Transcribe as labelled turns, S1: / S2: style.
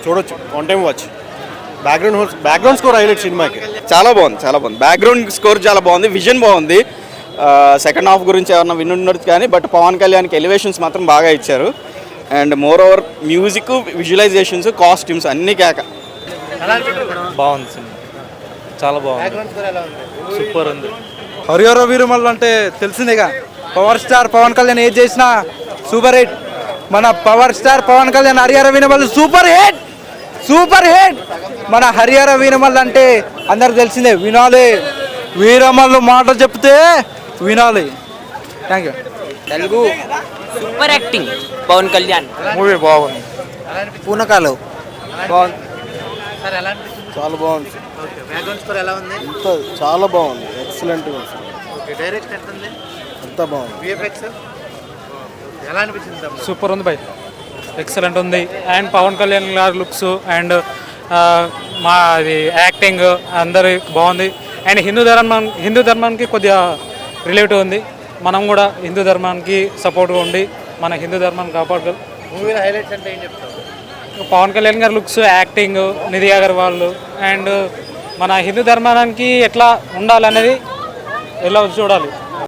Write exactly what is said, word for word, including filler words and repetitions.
S1: చూడొచ్చు, one time watch. Background background score highlight సినిమాకి.
S2: చాలా బాగుంది, చాలా బాగుంది. బ్యాక్గ్రౌండ్ స్కోర్ చాలా బాగుంది, విజన్ బాగుంది. సెకండ్ హాఫ్ గురించి ఏమన్నా వినున్నట్టు కానీ బట్ పవన్ కళ్యాణ్కి ఎలివేషన్స్ మాత్రం బాగా ఇచ్చారు. And moreover music, visualizations, costumes అన్నీ కేక.
S3: బాగుంది సినిమా, చాలా బాగుంది, సూపర్ ఉంది.
S4: హరిహర వీరమల్లు అంటే తెలిసిందేగా, పవర్ స్టార్ పవన్ కళ్యాణ్ ఏది చేసినా సూపర్ హిట్. మన power star Pawan Kalyan Harihara Veeramallu super hit, super hit. మన హరిహర వీరమల్లు అంటే అందరికి తెలిసిందే, వినాలి. వీరమల్లు మాట చెప్తే వినాలి. Thank you.
S5: Telugu super acting Pawan Kalyan.
S4: Movie బాగుంది.
S5: పూనకాలు
S4: బాగుంది,
S1: చాలా బాగుంది. ఇంత చాలా బాగుంది, ఎక్సలెంట్. అంతా బాగుంది.
S3: సూపర్ ఉంది బై, ఎక్సలెంట్ ఉంది. అండ్ పవన్ కళ్యాణ్ గారి లుక్స్ అండ్ మా అది యాక్టింగ్ అందరి బాగుంది. అండ్ హిందూ ధర్మం హిందూ ధర్మానికి కొద్దిగా రిలేటివ్ ఉంది. మనం కూడా హిందూ ధర్మానికి సపోర్ట్గా ఉండి మన హిందూ ధర్మాన్ని కాపాడుకోవాలి. పవన్ కళ్యాణ్ గారి looks, acting, Nidhi Agarwal and మన హిందూ ధర్మానికి ఎట్లా ఉండాలనేది ఎలా చూడాలి.